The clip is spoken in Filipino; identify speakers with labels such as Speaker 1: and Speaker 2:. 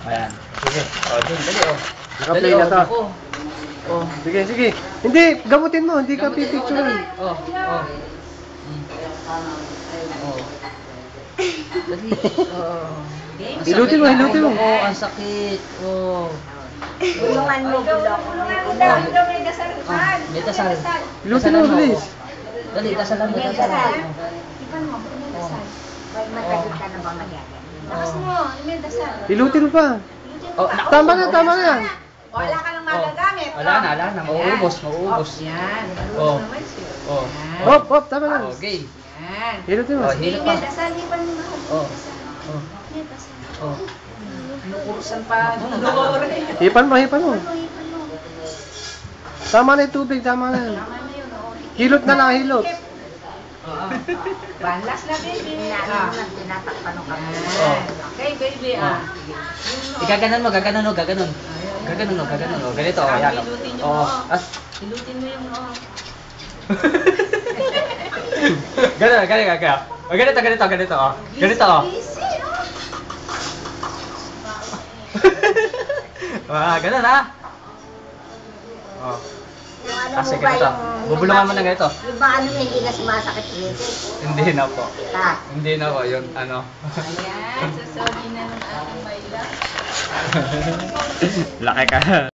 Speaker 1: Ayan. Sige. O, dun, dali o.
Speaker 2: Naka-play na to. Sige, sige. Hindi, gamutin mo. Hindi ka pipicturean.
Speaker 1: Oh. Dali.
Speaker 2: Hilutin mo, hilutin mo.
Speaker 1: Oo, ang sakit. Oo.
Speaker 3: Tulungan mo, bulok.
Speaker 1: May dasal.
Speaker 2: Hilutin mo, bilis.
Speaker 1: Dali, dasalan mo,
Speaker 3: May
Speaker 1: dasalan
Speaker 3: dasal.
Speaker 1: mo.
Speaker 3: Ipan mo, may dasal. Pag matagal ka na bang nagyagan? Lakas mo, may dasal.
Speaker 2: Hilutin mo pa.
Speaker 1: Oh,
Speaker 2: Tama na, tama na yan.
Speaker 3: Wala ka nang magagamit.
Speaker 1: Wala na. Mauubos.
Speaker 3: Yan.
Speaker 1: Oh. Oh.
Speaker 2: Hop, hop, tama na.
Speaker 1: Okay.
Speaker 3: Yan.
Speaker 2: Hilutin mo.
Speaker 1: Oh, hilot pa.
Speaker 3: May dasal, ipan mo na.
Speaker 1: Oh.
Speaker 3: May dasal.
Speaker 1: Oh.
Speaker 3: Nukursan pa.
Speaker 2: Hipan mo, hipan mo.
Speaker 3: Ipan mo.
Speaker 2: Tama na yung tubig, tama na.
Speaker 3: Tama na yun, oo.
Speaker 2: Hilot na lang, hilot.
Speaker 3: Banlas na, baby. Tinatakpan ng kami.
Speaker 1: Oh.
Speaker 3: Okay, baby.
Speaker 1: Igaganon mo. Gaganon. Ganito, o. Yan, o.
Speaker 3: Hilutin niyo
Speaker 1: Oh.
Speaker 3: mo. Hilutin mo yung noo.
Speaker 1: Ganito. O, ganito, o. Ganito, o.
Speaker 3: Easy,
Speaker 1: Ganun, ha? Oh.
Speaker 3: Yung ano
Speaker 1: Kasi
Speaker 3: mo ba
Speaker 1: ganito.
Speaker 3: yung...
Speaker 1: Bubulungan mo na ganito.
Speaker 3: Yung ba ano hindi na sumasakit ulit?
Speaker 1: Hindi na po.
Speaker 3: Ah.
Speaker 1: Hindi na po. Yun, ano.
Speaker 3: Ayan, sasabi na ng ating bayla.
Speaker 1: Laki ka.